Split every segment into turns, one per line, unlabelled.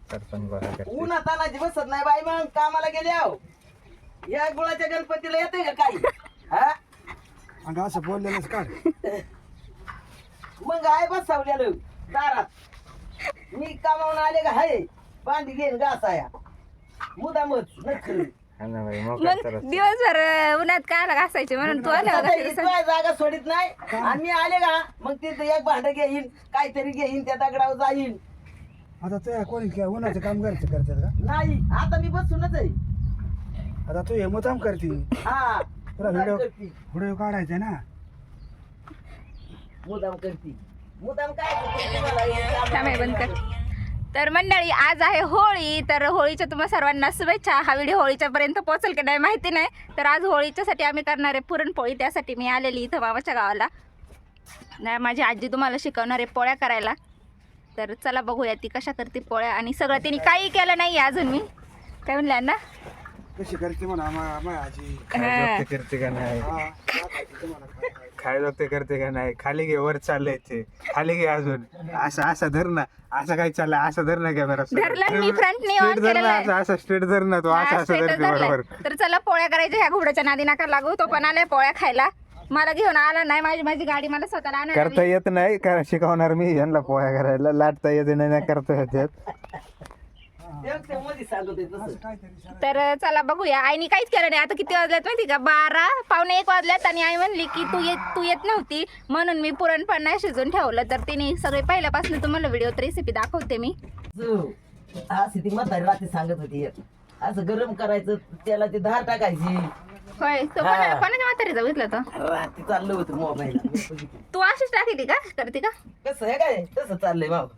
सरपंच गोळा करते.
उन्हा तानाची बसत नाही बाई, मग कामाला गेले आहो. या गुळाच्या गणपतीला येते का काही? हा
आणि असं बोललेलंच काढ.
मग आहे बसवलेलं दारात. मी कामावून आले का हाय बांधी घेईन घासाया मुदामच नखरी.
हा ना बाई, मग
मग
काय तर
दिवसभर उन्हात काय घासायचे म्हणून तू आल्या
तुला जागा सोडित नाही आणि मी आले का मग तिथं एक भांड घेईन काहीतरी घेईन त्या दगडावर जाईन.
आता ते कोणी काय उन्हाचं काम करतात का?
नाही आता मी बसूनच आहे.
आता तू हे मुद्दाम करते.
हा
तुला
मुदाम
व्हिडिओ
करती
व्हिडिओ काढायचा ना.
मुदाम करती मुदाम काय करते तुम्हाला हे काम
थांबे बंद कर. तर मंडळी आज आहे होळी, तर होळीच्या तुम्हा सर्वांना शुभेच्छा. हा व्हिडिओ होळीच्या पर्यंत पोहोचेल की नाही माहिती नाही. तर आज होळीच्यासाठी आम्ही करणार आहे पुरणपोळी, त्यासाठी मी आलेली इथं मामाच्या गावाला. नाही माझी आजी तुम्हाला शिकवणार आहे पोळ्या करायला. तर चला बघूया ती कशा करते पोळ्या. आणि सगळं तिने काही केलं नाही अजून. मी काय म्हणलं ना
कशी करते म्हणा माझ्या आजी.
खाय करते का नाही,
हा दाखवते तुम्हाला काय काय.
खाय जोगते करते का नाही. खाली घे, वर चाललंय ते खाली घे. अजून असं असं धर ना, असं काय चाललंय असं धर ना कॅमेरा
धरलं मी फ्रंटने ऑन
स्ट्रेट धर
केलेलं
ना,
आहे.
असं असं स्ट्रेट धर ना तू, असं
हा,
असं
straight
धरते
धरलंय.
बरोबर.
तर चला पोळ्या करायच्या. ह्या घुबडाच्या नादी नका लागू. तो पण आलाय पोळ्या खायला. मला घेऊन आला नाही. माझी गाडी मला स्वतःला
करता
आणायला.
येत नाही का शिकवणार मी यांना पोळ्या करायला. लाटता येत नाही, करता येतात.
ते मध्ये सांगत आहे तसं.
काहीतरी सांग.
तर चला बघूया. आईने काहीच केलं नाही. आता किती वाजल्यात माहिती का? 12 पावणे 1 वाजल्यात. आणि आई म्हणली की तू येत नव्हती म्हणून मी पुरणपण नाही शिजून ठेवलं. तर तिने सगळे पहिल्यापासून तुम्हाला व्हिडिओत रेसिपी दाखवते मी.
अशी ती म्हातारी रात्री सांगत होती एक. असं गरम करायचं त्याला ती धार टाकायची.
होय तो
हा.
कोणाच्या म्हातारीचा बघितलं तर
रात्री चाललं होतं मोबाईल.
तू अशीच टाकी का करते का?
कसं आहे काय तसं चाललंय बाबा.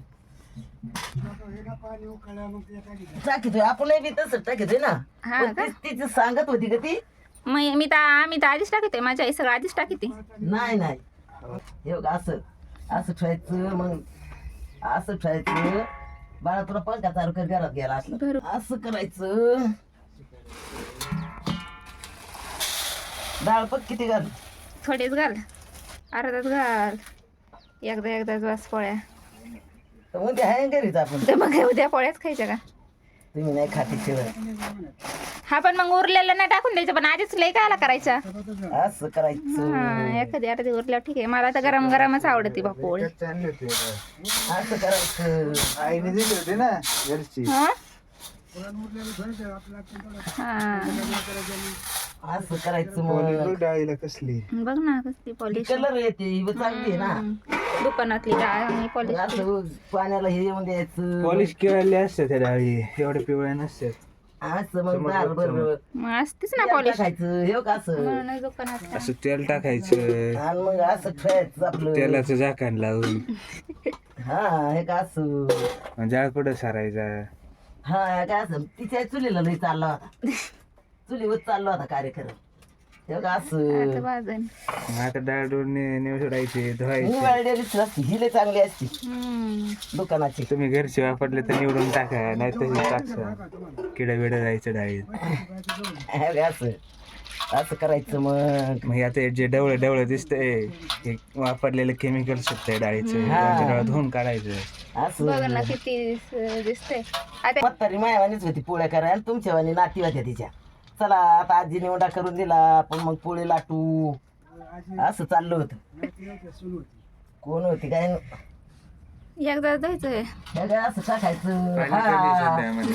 एकदा पाणी उकळलं मग ते टाकीत.
टाकीतोय आपण बी तसं टाकीतोय ना.
हा
पण
का?
तिची सांगत होती का ती?
आम्ही तर आधीच टाकते. माझ्या आई सगळं आधीच टाकते.
नाही नाही हे बघ असं असं ठेवायचं. मग असं ठेवायचं. बाळा तुला पंखा चालू कर घरात गेला असलं
बरोबर.
असं करायचं. डाळ पण किती घाल?
थोडेच घाल, अर्धाच घाल. एकदाच वास पोळ्या.
तर उद्या आहे घरीच आपण.
तर मग उद्या पोळ्याच खायच्या का?
तुम्ही नाही खाती शिवाय.
हा पण मग उरलेलं नाही टाकून द्यायचं. पण आधीच लई कायला करायचा?
असं करायचं.
हा एखादी अर्धी उरल्यावर ठीक आहे. मला तर गरम गरमच आवडते बा पोळी.
चांगली होती
असं करायचं.
आईने दिली होती ना घरची.
हा
असं करायचं.
पोळी
मग
बघ डाळीला कसली.
बघ ना कसली पॉलिश.
कलर येते ही बी चांगली आहे ना.
दुकानातली डाळ आणि पॉलिश.
असं पाण्याला हे येऊन द्यायचं.
पॉलिश केलेली असते त्या डाळी, एवढ्या पिवळ्या नसतात.
असं मग दार बरोबर
मग असतेच ना पॉलिश.
खायचं हे का असं.
म्हणून दुकानात
असं तेल टाकायचं,
आणि मग असं ठेवायचं आपलं.
तेलाचं झाकण लावून
हा हे का असं.
जाळ पुढं सारायचा.
हा हे काय असं तिच्या चुलीला लई चालला होता. चुलीवर चालला होता कार्यक्रम. हे का असं.
भाजन.
मग आता डाळ डोळून निवडायचे, धुवायचे.
निवाळलेलीच नसती ही लई चांगली असती दुकानाची.
तुम्ही घरचे वापरले तर निवडून टाका, नाही तशी टाकसा. किडा बिडा जायचं डाळीत.
हे का असं असं करायचं. मग
मग आता जे डवळं डवळं दिसतंय हे वापरलेलं केमिकल सुटतंय डाळीचं. डाळ धुवून काढायचं.
असं
बघ ना किती दिसते. आता
म्हातारी मायावानीच होती पोळ्या करायला. आणि तुमच्यावानी नाती होत्या तिच्या. चला आता आजी निवडा करून दिला आपण मग पोळी लाटू. असं चाललं होतं. कोण होती काय
एकदा द्यायचंय.
हे काय असं टाकायचं.
पाणी कमी
हा
सध्यामध्ये.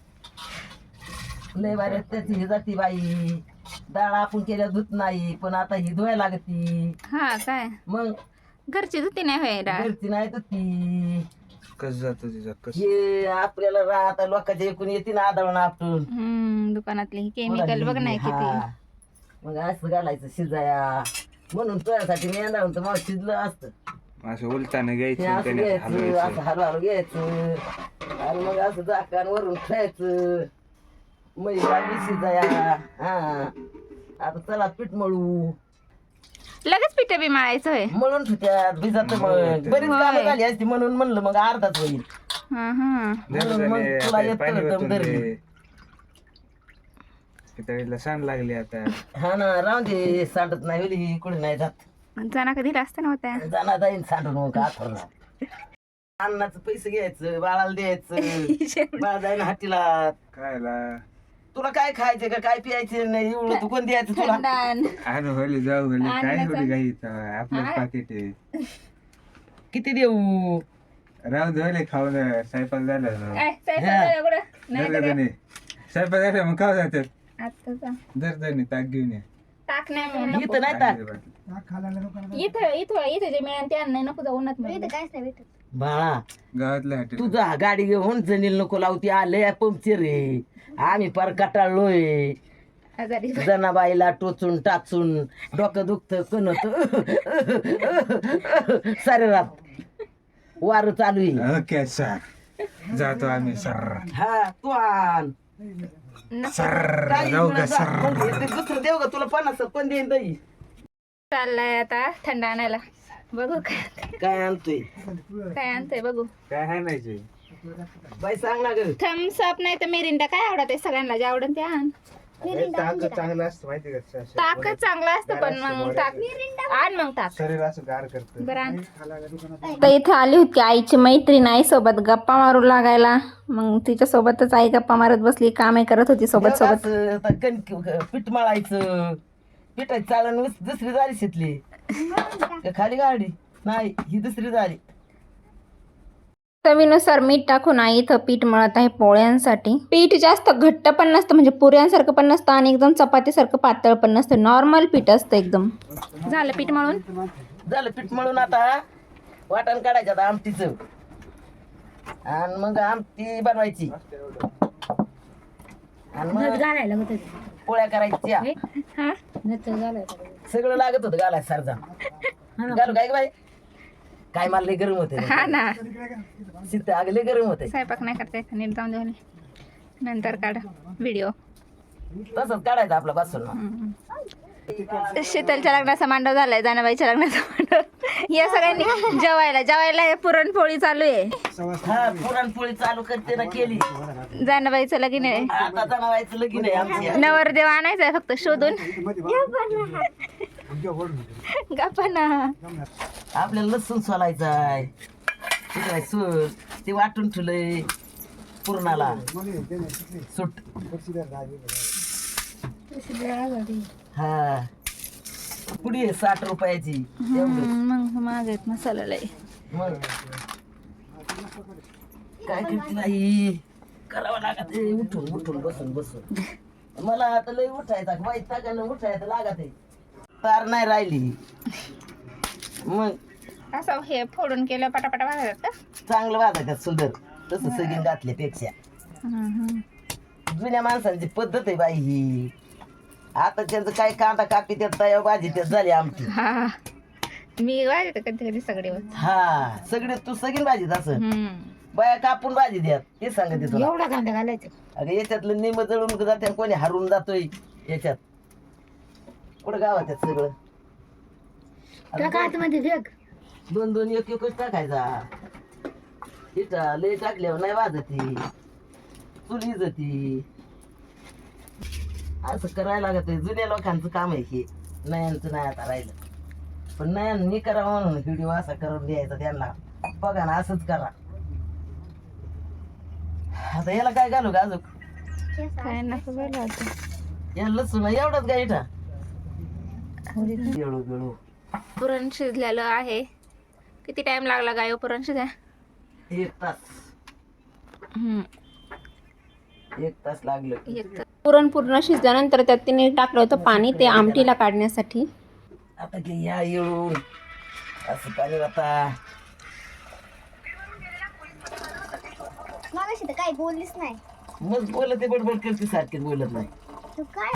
लय बारे त्याची ही जाती बाई. डाळ आपण केल्या धुत नाही पण आता ही धुवायला लागती.
हा काय
मग
घरची धुती नाही होय डाळ.
घरची नाही धुती.
कस जातो तिचा कस.
हे आपल्याला आता लोकांच्या एकूण येते ना आदळून आपण.
दुकानातली केमिकल बघ नाही
हा.
किती.
मग असं घालायचं शिजाया. म्हणून तुझ्यासाठी मी येणार होतं मग शिजलं असतं.
असं उलटानं
हे
घ्यायचं,
असं
त्याने
घ्यायचं
हलवायचं.
असं हलवायला घ्यायचं. आणि मग असं झाकण वरून ठेवायचं. मग शिजाया. हा आता चला पीठ मळू.
लगेच पिठं बी मळायचं होय.
मळून ठेवत्यात भिजत. मग बरीच कामं झाली असती म्हणून म्हणलं मग अर्धाच होईल.
हा हा
म्हणून मग
त्याने
तुला
आता पाणी
येतं
ओतून
धरली.
दे. पितळीला सांड लागली आता.
हा ना राहून दे. सांडत नाही वेळी कुठे नाही जात.
जना कधी असतं नव्हत्या.
जाणार जाईन सांडून मग आथरला. अन्नाचं पैसे घ्यायचं बाळाला द्यायचं बाळा जायला हातीला.
खायला
तुला काय खायचं का काय प्यायचं नाही एवढं तू कोण द्यायचं तुला?
थंडान
आणू होली जाऊ होली काय
अन्नाचं.
होली काही आपलं पाकिट आहे.
किती देऊ?
राहू दे होले खाऊन स्वयंपाक झाला ना.
काय स्वयंपाक झाला कुठं? नाही
दर
तर
जणी स्वयंपाक झाला मग खाऊ जातात
आत्ताचा
दर जणी ताक घेऊन ये.
टाक नाही म्हणून
इथं नाही टाक.
ताक खायला लोकांना
इथं इथं इथं जे मिळेल ते अन्न नको जाऊ उन्हात मिळेल.
बाळा
गावातल्या हॉटेल
तुझा गाडी घेऊन जणील नको लावती आले पंक्चर रे. आम्ही पार कटाळलोय
आजारी
जनाबाईला टोचून टाचून डोकं दुखत कणत सारे रात वार चालू आहे.
ओके सर जातो आम्ही सर
हा तू आण
सर
काही
जाऊ का
म्हणा जा.
सर.
मग ते दुसरं देऊ का तुला 50 पण देईन दही.
चाललाय आता थंड आणायला. बघू
काय आणतोय
काय आणतोय बघू.
काय हाणायचे
बाई सांग ना ग.
थम्स अप नाही तर मिरिंडा काय आवडत आहे सगळ्यांना जे आवडत ते आण.
ताक चांगलं असतं माहिती का
ताकच चांगलं असतं पण मग ताक आण मग ताक.
शरीर असं गार करतं.
बरं आण. तर इथे आली होती आईची मैत्रीण आईसोबत गप्पा मारू लागायला. मग तिच्या सोबतच आई गप्पा मारत बसली कामे करत होती सोबत सोबत.
असं आता पीठ मळायचं पिठाची चाळण दुसरी झाली शितली का खाली गाडी नाही ही दुसरी झाली.
चवीनुसार मीठ टाकून आई इथं पीठ मळत आहे पोळ्यांसाठी. पीठ जास्त घट्ट पण नसतं म्हणजे पुऱ्यांसारखं पण नसतं आणि एकदम चपातीसारखं पातळ पण नसतं. नॉर्मल पीठ असतं एकदम. झालं पीठ मळून.
झालं पीठ मळून आता वाटण काढायचं आता आमटीचं आणि मग आमटी बनवायची आणि मग पोळ्या करायच्या.
हा
सगळं लागत होतं घालाय सारजा घालू काय ग बाई काय मला लय गरम होते
हा ना
सीत अगं लय गरम होते.
स्वयंपाक नाही करता येत नीट जाऊन देऊन नंतर काढ व्हिडिओ.
तसंच काढायचं आपला बसून.
शीतलच्या लग्नाचा मांडव झालाय जानाबाईच्या लग्नाचा मांडव. या सगळ्यांनी जेवायला हे पुरणपोळी चालू आहे.
हा पुरणपोळी चालू करते ना केली.
जानाबाईचं लगीन आहे.
आता जनावायचं लगीन आहे आमची.
नवरदेव आणायचा आहे फक्त शोधून. गप्पा ना.
आपल्याला लसूण सोलायचं आहे ठीक आहे सूर ते वाटून ठेवलंय पुरणाला सुट. हा पुडी आहे 60 रुपयाची एवढं.
मग महाग आहेत मसाला लय.
मग काय करते नाही करावं लागत आहे उठून उठून बसून बसून. मला आता लय उठायचा वाईट टाकायला उठायचं लागत आहे तार नाही राहिली. मग
असं हे फोडून केलं पटापटा भाजतात का.
चांगलं वाजायचं सुंदर तसं सगळी घातल्यापेक्षा. जुन्या माणसांची पद्धत आहे बाई ही. आता त्यांचं काय कांदा कापी त्यात तया भाजी त्यात झाली आमची.
हा मी वाजते कधी कधी सगळे
हा सगळे तू सगळी भाजीत असं बाया कापून भाजी द्या ते सांगते तुला.
एवढा कांदा घालायचा.
अगं याच्यातलं निम जळून जाते कोणी हरून जातोय याच्यात कुठं गावात आहेत सगळं. दोन दोन एक एकच टाकायचा. इटा लय टाकल्यावर नाही वाजती चुली जाती. असं करायला लागत आहे. जुन्या लोकांचं काम आहे हे नयांचं नाही आता राहिलं. पण नयांनी करावं म्हणून व्हिडिओ असा करून द्यायचा त्यांना बघा ना असंच करा. आता याला काय घालू का अजून
काय नको बोलायचं.
या लसूण एवढंच का इटा एवढं गेलो.
पुरण शिजलेलं आहे. किती टाइम लागला गाय पुरण शिजाय.
1 तास 1 तास लागलं.
पुरण पूर्ण शिजल्यानंतर त्यात तिने टाकलं होतं पाणी ते आमटीला काढण्यासाठी.
आता की या येऊन असं पाणी आता
मगाशी तर काही बोललीच नाही.
मग बोलत ते बडबड करते सारखे बोलत नाही.
तू काय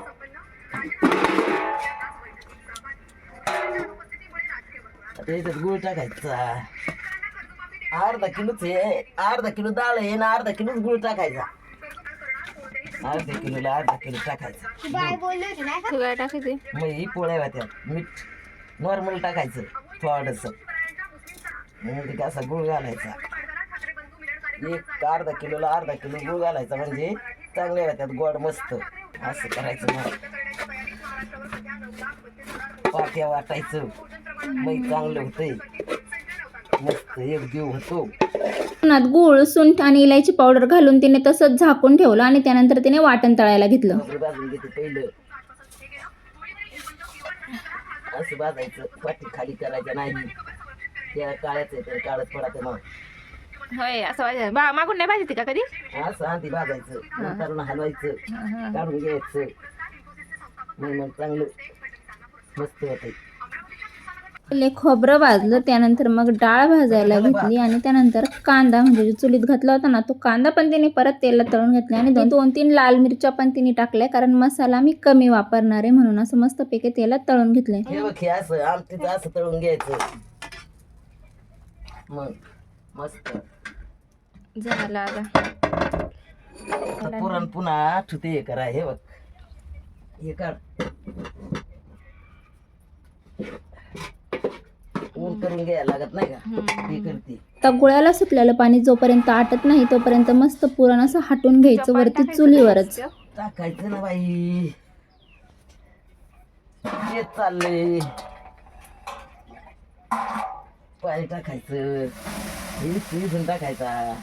आता याच्यात गुळ टाकायचा. अर्धा किलोच आहे. अर्धा किलो डाळ आहे ना अर्धा किलोच गुळ टाकायचा. अर्धा किलोला अर्धा किलो टाकायचा.
तू बाय बोलली होती नाही का?
तू काय टाकायचे.
मग ही पोळ्या होत्या मीठ नॉर्मल टाकायचं थोडंसं. म्हणजे कसा गुळ घालायचा. एक अर्धा किलोला अर्धा किलो गुळ घालायचा म्हणजे चांगल्या होत्यात गोड मस्त. असं करायचं मग पाट्या वाटायचं मग चांगलं होतंय. मस्त एक जीव होतो.
पुन्हात गूळ सुंठ आणि इलायची पावडर घालून तिने तसंच झाकून ठेवलं आणि त्यानंतर तिने वाटण तळायला घेतलं.
खोबरं भाजून घेते पहिलं. असं भाजायचं, पाठी खाली करायचं नाही. त्या काळ्याच आहे तर काळच पडायचं मग.
होय असं मागून नाही भाजते का कधी?
असं आधी भाजायचं, नंतर हलवायचं, काढून घ्यायचं. मग चांगलं मस्त होतंय.
पहिले खोबरं भाजलं, त्यानंतर मग डाळ भाजायला घेतली आणि त्यानंतर कांदा म्हणजे जो चुलीत घातला होता ना तो कांदा पण तिने परत तेलात तळून घेतला आणि 2-3 लाल मिरच्या पण तिने टाकल्या, कारण मसाला मी कमी वापरणार आहे म्हणून. असं मस्तपैकी तेलात तळून घेतलंय.
हे बघ हे असं आमटीचं असं तळून घ्यायचं. मग मस्त
झालं आता.
आता पुरण पुन्हा ठुते हे करा. हे बघ हे काढ, ऊन करून घ्यायला लागत नाही का, ते करते.
आता गुळाला सुटलेलं पाणी जोपर्यंत आटत नाही तोपर्यंत मस्त पुरण असं हटून घ्यायचं वरती चुलीवरच.
टाकायचं ना बाई, तेच चाललंय. पाणी टाकायचं, शिजून टाकायचा.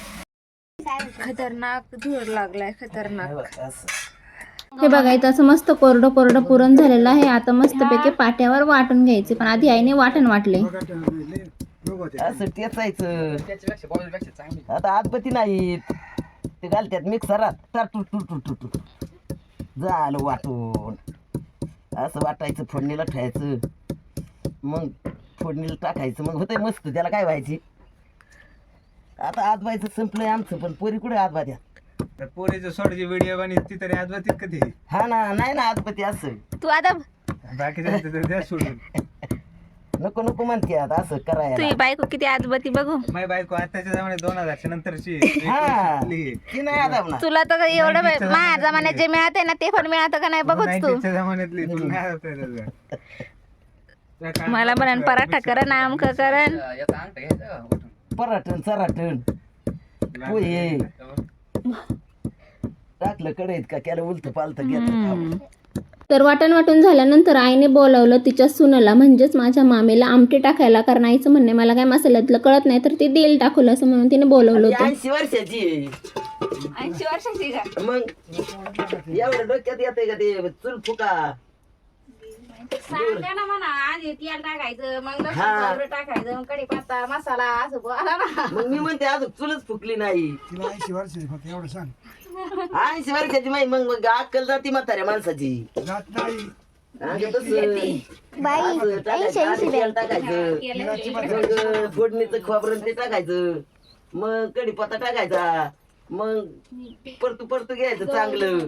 खतरनाक धूर लागलाय, खतरनाक.
हे बघ असं.
हे बघा इथं असं मस्त कोरडं कोरडं पुरण झालेलं आहे. आता मस्तपैकी पाट्यावर वाटून घ्यायचे, पण आधी आईने वाटण वाटले.
असं टेचायचं. आता आतपती नाहीत ते घालतात मिक्सरात, टाटू झालं वाटून. असं वाटायचं, फोडणीला ठेवायचं, मग फोडणीला टाकायचं, मग होतंय मस्त. त्याला काय व्हायची. आता आजबायचं संपलंय आमचं, पण पोरी कुठे आजबात्या.
पोरीचं सोडची व्हिडिओ बनवती तरी आजबातीत कधी.
हा ना, नाही ना आजपती. असं
तू आता
बाकीचं द्या सोडून.
नको नको म्हणते आता असं करायला.
तुझी बायको किती आजबती बघू.
माझी बायको आताच्या जमान्यात 2000च्या नंतरची.
हा ती नाही आता म्हणा.
तुला तर एवढं माझ्या जमान्यात जे मिळते ना ते पण मिळतं का नाही बघूच तू.
90च्या जमान्यातली तुला नाही आवडत त्याचं.
मला म्हणून पराठा करण आमक करण.
पराठण चराठण पोहे टाकलं कढईत का केलं उलत पालत घेत.
तर वाटण वाटून झाल्यानंतर आईने बोलावलं तिच्या सुनेला, म्हणजेच माझ्या मामीला आमटी टाकायला. कारण आईचं म्हणणे मला काय मसाल्यातलं कळत नाही तर ती देईल टाकलं असं म्हणून तिने बोलवलं होतं.
80 वर्षाची आहे.
80 वर्षाची का?
मग एवढं डोक्यात येते का ते चूल फुका.
सांगा ना म्हणा, आधी तेल टाकायचं, मग लसूण पावडर टाकायचं, मग कढीपत्ता मसाला असं बोला ना.
मग मी म्हणते अजून चुलच फुकली नाही.
तिला 80 वर्षाची फक्त एवढं सांग.
80 वर्षाची माही मग अक्कल जाती म्हाताऱ्या माणसाची.
जात नाही.
असं तसं.
बाई
असं टाकायचं, आधी तेल टाकायचं, मग फोडणीचं खोबरं ते टाकायचं, मग कढीपत्ता टाकायचा, मग परतू घ्यायचं चांगलं.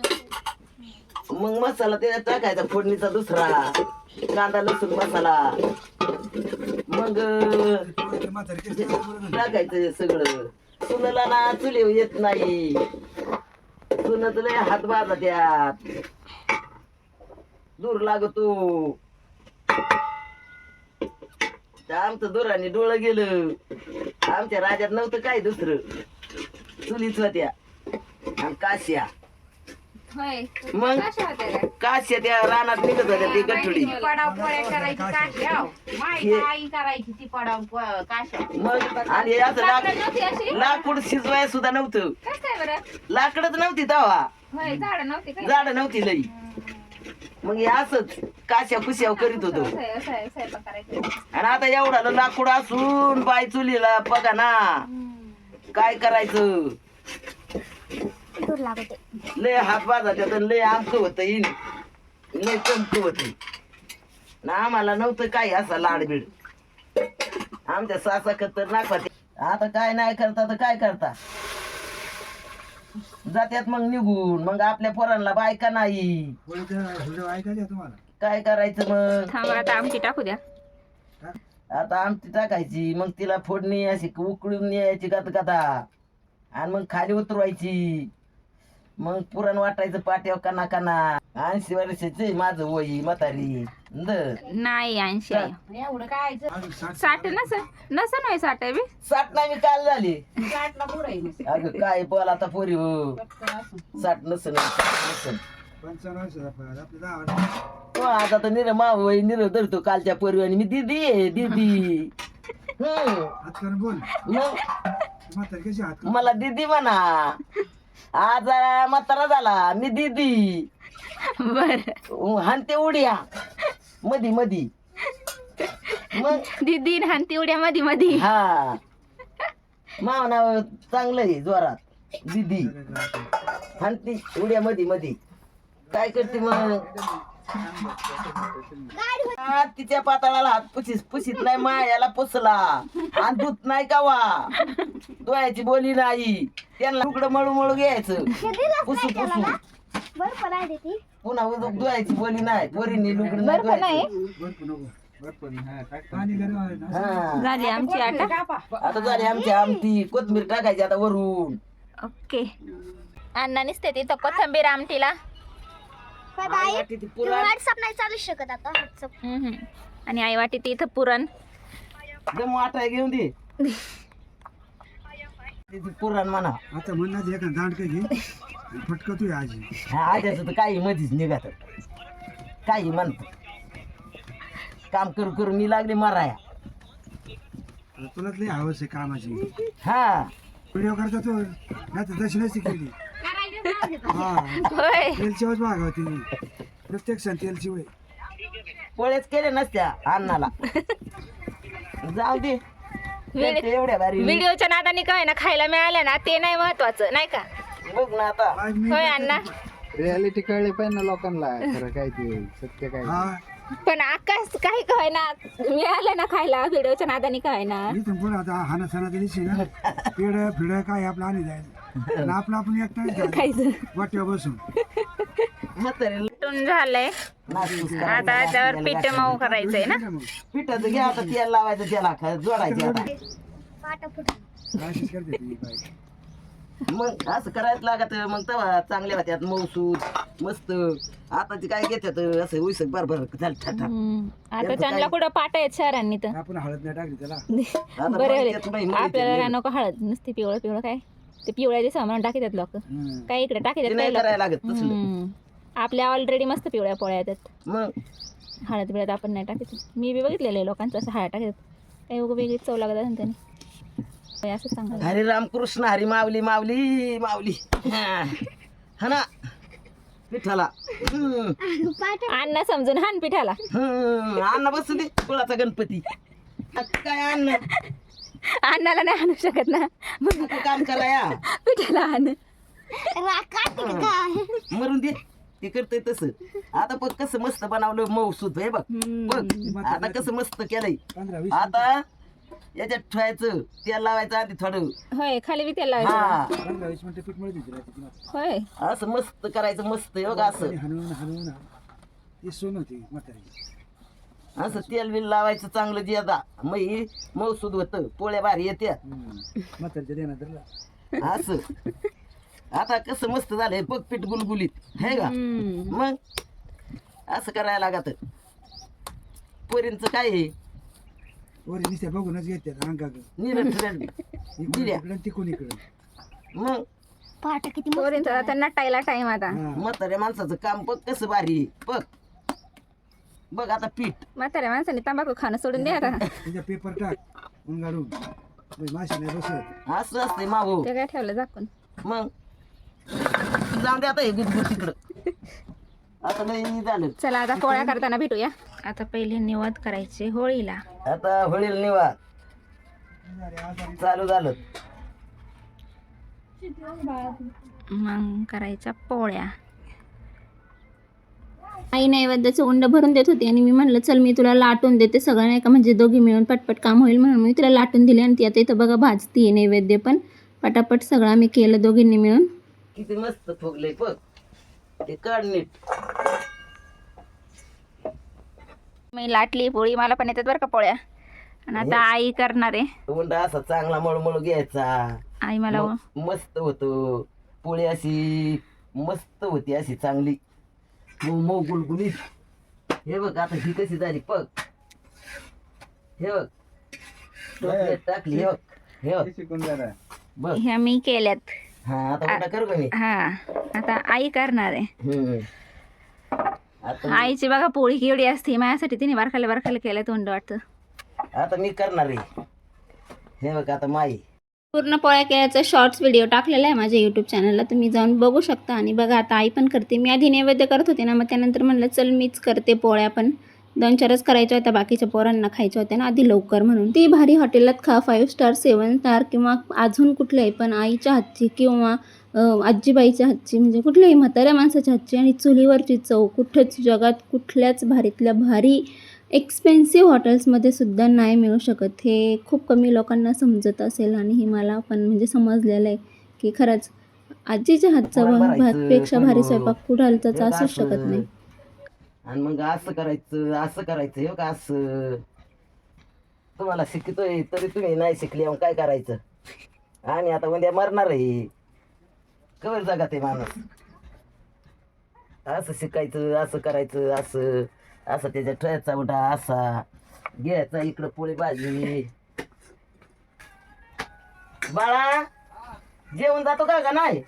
मग मसाला त्याच्यात टाकायचा फोडणीचा दुसरा, कांदा लसूण मसाला. मग टाकायचं सगळं. सुनला ना चुली येत नाही, सुनच लय हात बाजा त्यात दूर लागतो. आमचं दुराने डोळं गेलं. आमच्या राजात नव्हतं काय दुसरं, चुलीच होत्या आणि काश्या. मग काश्या त्या रानात निघत होत्या ते गठुडी. मग आणि असं लाकूड शिजवाय सुद्धा नव्हतं, लाकडच नव्हती तवा, झाड नव्हती लई. मग हे असंच काश्या कुश्या करीत होतो. आणि आता एवढा लाकूड असून बाय चुलीला बघा ना काय करायचं. लय हात बाजाच्यात लय आमक होत, लय चमक होत ना. आम्हाला नव्हतं काय असा लाडबीड. आमच्या सासा खतरनाक होते. आता काय नाही करता तर काय करता, जात्यात मग निघून. मग आपल्या पोरांना बायका नाही,
ऐकायचं तुम्हाला.
काय करायचं मग.
आता आमटी टाकू द्या.
आता आमटी टाकायची, मग तिला फोडणी अशी उकळून यायची गदगदा, आणि मग खाली उतरवायची. मग पुरण वाटायचं पाट्यावर काना काना. 80 वर्षाची माझं वही म्हातारी
नाही 80 एवढं काय 60 नसन होय 60 बी
60 नाही मी काल झाली. अगं काय बोल आता पोरी हो. 60 नसन
55 वर्षाचा आपले 10 वर्ष.
आता तर निर माव निर धरतो कालच्या पोरी आणि मी दीदी आहे दीदी.
हात करून बोल
मग
म्हातारी कशी हात करून
मला दीदी म्हणा. आज म्हातारा झाला मी दीदी.
बर
हानते उड्या मधी मधी. मग
दीदी हानती उड्या मधी मधी.
हा माव नाव चांगलं आहे जोरात. दीदी हानती उड्या मधी मधी. काय करते मग? तिच्या पाताळाला हात पुशीत नाही, मायाला पुसला आणि दूध नाही कावा. डोळ्याची बोली नाही. त्यांना तुकडं मळू मळू घ्यायचं पुसू पुसू.
बरं आहे ती.
पुन्हा डोळ्याची बोली नाही. पोरींनी लुगडं नाही
बरं नाही
धुवायचं.
बर्फ नको पाणी गरम आहे ना.
हा
झाली आमची आटा.
आता झाली आमची आमटी. कोथमीर टाकायची आता वरून.
ओके. अण्णानीच ते तिथं कोथंबीर आमटीला.
पण आई
वाटी ती
तू
पुरण
व्हॉट्सअप नाही चालू शकत आता व्हॉट्सअप.
आणि आई वाटी ते इथं पुरण.
दम वाटाय घेऊन दे. ती पुरण म्हणा.
आता म्हणणार एका दांडकं घे फटकतोय आजी.
हा आज्याचं तर काही मधीच निघत. काही म्हणत काम करू करू मी लागले माराया.
तुला लई हवस आहे कामाची.
हा
व्हिडिओ करता तू नाही तर तशी नसती केली. हा
होय
तेलची वच भाग होती प्रत्येक सण तेलची वय.
पोळ्याच केले नसत्या अन्नाला. जाऊ दे. ते एवढ्या भारी
व्हिडिओच्या नादाने काय ना खायला मिळालं ना ते नाही महत्वाचं नाही का.
बघ ना आता.
होय अण्णा.
रियालिटी कळली पाहिजे ना लोकांना खरं काय ते सत्य काय.
हा
पण आकाश काही काय ना मिळालं ना खायला व्हिडिओच्या नादाने काय ना.
मी पण पुढे आता हाना सणा दिलीच ना पेड फिड काय आपलं आणि जायचं आणि आपलं आपण एकटा
खायचं.
वाट्यावर बसून.
म्हातारे
टून झालंय
नाचपूस
आता त्यावर पीठ मऊ करायचंय ना.
पिठाचं घ्या आता तेल लावायचं त्याला जोडायचं आता.
पाटा फुट
अशीच करते ती बाई.
मग असं करायचं लागत. मग तेव्हा चांगल्या होत्यात मऊसूद मस्त. आताची काय घेतात असं उईसक बरबर झालं ठाठा.
आता त्यांना कुठं पाट आहेत शहरांनी तर.
आपण हळद नाही टाकली त्याला.
आता
बरं
माहितीच नाही, माहितीच
आपल्याला
नाही.
नको हळद नुसती पिवळं पिवळं काय ते पिवळ्या दिवसा म्हणून टाकतात लोक.
हम्म.
काय इकडे
ते
टाकतात
नाही
काय
करायला
लोक.
लागत तसलं.
आपल्या ऑलरेडी मस्त पिवळ्या पोळ्या येतात.
मग
हळद बिळद आपण नाही टाकत. मी बी बघितलेलं आहे लोकांचं असं हळद टाकतात. काही उगं वेगळीच चव लागत असेल त्याने. होय, असं चांगलं.
हरे रामकृष्ण हरी माऊली माऊली माऊली. हा ना पिठाला.
अण्णा समजून हान पिठाला.
अण्णा बसू दे कुळाचा गणपती. आता काय अन्न
अण्णाला नाही आणू शकत ना मग
आता काम करा या.
पिठाला आण.
मरून दे. ते करतय तसं. आता बघ कसं मस्त बनवलं मऊसूद हे बघ. बघ आता कसं मस्त केलंय.
15-20
आता याच्यात ठेवायचं तेल लावायचं आधी थोडं.
होय खाली बी त्याला लावायचं.
हा
15-20 मिनिटं पीठ मिळत होती.
होय
असं मस्त करायचं मस्त हे बघ असं.
हलवून हलवून ती सोन होती म्हातारी.
असं तेल बिल लावायचं चांगलं जे आता मग मऊसूद होतं. पोळ्या भारी येत्या
म्हातारीच्या देण्यात धरला.
असं. आता कसं मस्त झालंय बघ पीठ गुलगुलीत है का. मग असं करायला लागत. पोरींचं काय आहे
वरी नुसत्या बघूनच घेते अंगाकडे.
निरट दिल्या.
इकडे तिकून इकडे.
मग
पाटा किती
पोरींचा आता नटायला टाइम आता.
म्हाताऱ्या माणसाचं काम बघ कसं भारी आहे. बघ बघ आता पीठ.
म्हाताऱ्या माणसाने तंबाखू खाणं सोडून द्या आता.
तिच्या पेपर टाक उंगाडून माशी नाही बसत.
असं असते मागो.
ते काय ठेवलं झाकून.
मग जाऊ दे आता हे गुदगुद तिकडं. आता नाही झालं.
चला आता पोळ्या करताना भेटूया. आता पहिले निवद करायचे होळीला.
आता होळील निवाद चालू झालं.
मग करायच्या पोळ्या. आई नैवेद्याचं उंड भरून देत होती आणि मी म्हणलं चल मी तुला लाटून देते सगळं नाही का म्हणजे दोघी मिळून पटपट काम होईल म्हणून मी तिला लाटून दिले. आणि ती आता इथं बघा भाजती नैवेद्य पण पटापट सगळं आम्ही केलं दोघींनी मिळून.
किती मस्त फुगले बघ. ते काढ नीट.
मी लाटली पोळी. मला पण येतात बरं का पोळ्या. आणि आता आई करणार आहे.
उंडा असा चांगला मळमळ घ्यायचा.
आई मला
मस्त होतो. पोळी अशी मस्त होती अशी चांगली मऊ मऊ गुलगुलीत. हे बघ आता ही कशी झाली बघ. हे बघ चॉकलेट टाकली. हे बघ हे बघ
शिकून जरा.
बघ.
ह्या मी केल्यात.
हा आता उंडा करू का मी.
हा आता आई करणार आहे.
आता
आईची बघा पोळी केवढी असते. माझ्यासाठी तिने बारखाले बारखाले केलं तोंड वाटतं.
आता मी करणार आहे. हे बघ आता माई
पूर्ण पोळ्या केल्याचा शॉर्ट्स व्हिडिओ टाकलेला आहे माझ्या यूट्यूब चॅनलला, तुम्ही जाऊन बघू शकता. आणि बघा आता आई पण करते. मी आधी नैवेद्य करत होते ना, मग त्यानंतर म्हणलं चल मीच करते पोळ्या. पण 2-4च करायच्या होत्या, बाकीच्या पोरांना खायच्या होत्या ना आधी लवकर, म्हणून ती भारी हॉटेलात खा 5 स्टार 7 स्टार किंवा अजून कुठल्याही, पण आईच्या हातची किंवा आजीबाईच्या हातची, म्हणजे कुठल्याही म्हाताऱ्या माणसाच्या हातची आणि चुलीवरची चव कुठंच जगात कुठल्याच भारीतल्या भारी एक्सपेन्सिव्ह हॉटेल्समध्ये सुद्धा नाही मिळू शकत. हे खूप कमी लोकांना समजत असेल आणि हे मला पण म्हणजे समजलेलं आहे की खरंच आजीच्या हातचा भातपेक्षा भारी स्वयंपाक कुठालचाच असूच शकत नाही.
आणि मग असं करायचं हे का असं तुम्हाला शिकतोय तरी तुम्ही नाही शिकले, मग काय करायचं. आणि आता उद्या मरणार आहे, कवर जगात आहे माणूस. असं शिकायचं, असं करायचं, असं असं त्याच्या ठेचा उठा असा घ्यायचा, इकडं पोळी भाजी. बाळा जेवण जातो का नाही?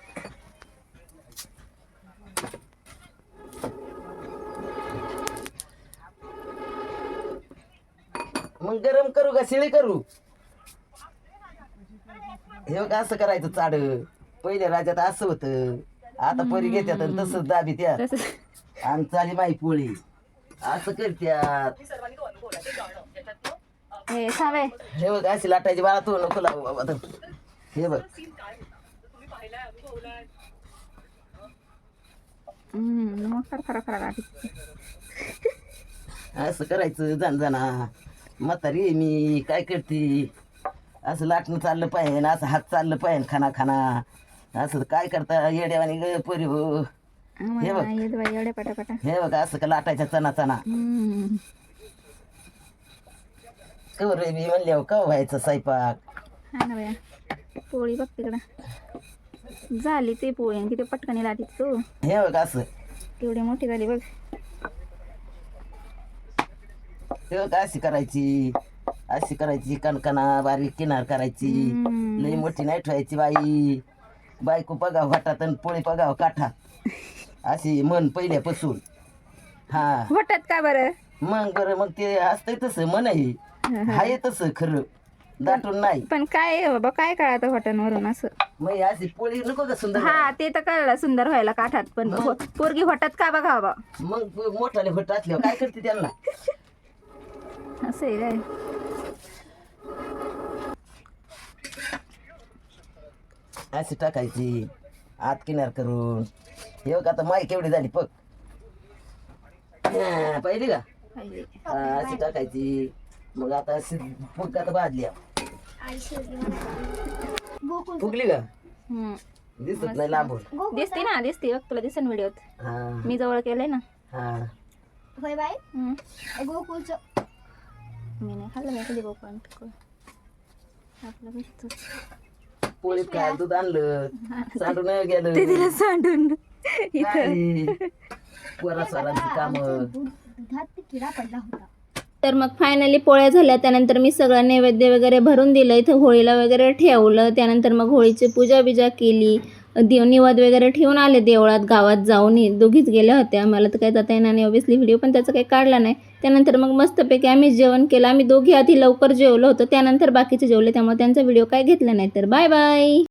मग गरम करू का शिळी करू? हे बघ असं करायचं चाड. पहिले राज्यात असं होतं, आता परी घेत्यात आणि तसंच दाबी त्यात आणि चाली माई पोळी असं करत्यात.
हे सावे
हे बघ अशी लाटायची बाळा, तू नको लावू बाबा. हे बघ
मग खरा
असं करायचं. जाणजाना म्हातारी आहे मी, काय करते. असं लाटणं चाललं पाहिजे, असं हात चाललं पाहिजे, खाना खाना असं काय करता येड्यावानी ग परी हो. हे बघ
एवढे पटापटा.
हे बघ असं का लाटायच्या चना चना. कवर मी म्हणल्यावर का व्हायचं स्वयंपाक.
हा ना बया, पोळी बघ तिकडं झाली ती पोळी आणि किती पटकनी लाटी तू.
हे बघ असं
केवढी मोठी झाली बघ.
हे बघ अशी करायची कणकणा बारीक किनार करायची. लई मोठी नाही ठेवायची बाई. बायको पगाव घाटात आणि पोळी पगाव काठात, अशी मन पहिल्यापासून. हा
वाटत का बरं?
मग बरं, मग ते असतंय तसं मन आहे तसं खरं, दाटून नाही.
पण काय बाबा, काय कळत हॉटेलवरून असं.
मग अशी पोळी नको का सुंदर.
हा ते तर कळलं सुंदर व्हायला काठात, पण पोरगी होतात का बघा बाबा.
मग मोठाले होत असल्यावर काय करते त्यांना.
असं आहे काय?
अशी टाकायची आत किनार करून. हे बघ आता माई केवढी झाली बघ. पाहिली का? अशी टाकायची. मग आता अशी फुग आता भाजल्या. फुगली का? दिसत नाही लांबून.
दिसते ना, दिसते बघ, तुला दिसन व्हिडिओत.
हा
मी जवळ केलंय ना.
हा
होय बाई गोकुळचं
मी नाही खाल्लं बाई कधी गोपाळ आपलं भेटत.
पोळीत काय दूध आणलं, सांडून गेलं.
ते तिला सांडून
पोरास्वरांची कामं.
दुधात किडा पडला होता.
तर मग फायनली पोळ्या झाल्या. त्यानंतर मी सगळं नैवेद्य वगैरे भरून दिलं, इथं होळीला वगैरे ठेवलं. त्यानंतर मग होळीची पूजा बिजा केली, निवद वगैरे ठेवून आले देवळात. गावात जाऊन दोघीच गेल्या होत्या, मला तर काही जाता येणार नाही ऑब्विसली व्हिडिओ, पण त्याचं काही काढला नाही. त्यानंतर मग मस्तपैकी आम्ही जेवण केलं. आम्ही दोघी आधी लवकर जेवलो होतो, त्यानंतर बाकीचे जेवले, त्यामुळे त्यांचा व्हिडिओ काय घेतला नाही. तर बाय बाय.